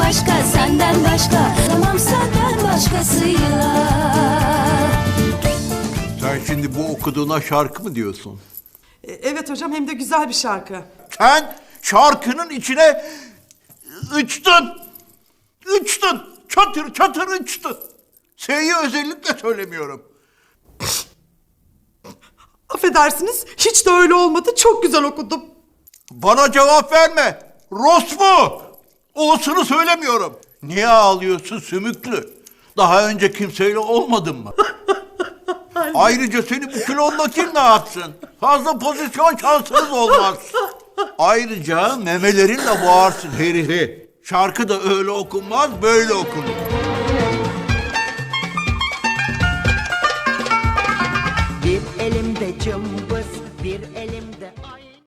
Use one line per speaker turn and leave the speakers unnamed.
başka, senden başka. Tamam senden başkasıyla.
Sen şimdi bu okuduğuna şarkı mı diyorsun?
Evet hocam, hem de güzel bir şarkı.
Sen şarkının içine içtin. İçtin. Çatır çatır içtin. S'yi özellikle söylemiyorum.
Affedersiniz, hiç de öyle olmadı. Çok güzel okudum.
Bana cevap verme. Rospu. O'sunu söylemiyorum. Niye ağlıyorsun sümüklü? Daha önce kimseyle olmadın mı? Ayrıca seni bu kilonla kim ne yapsın? Fazla pozisyon şansınız olmaz. Ayrıca memelerinle boğarsın herifi. Şarkı da öyle okunmaz, böyle okunur.
Bir elimde cımbız, bir elimde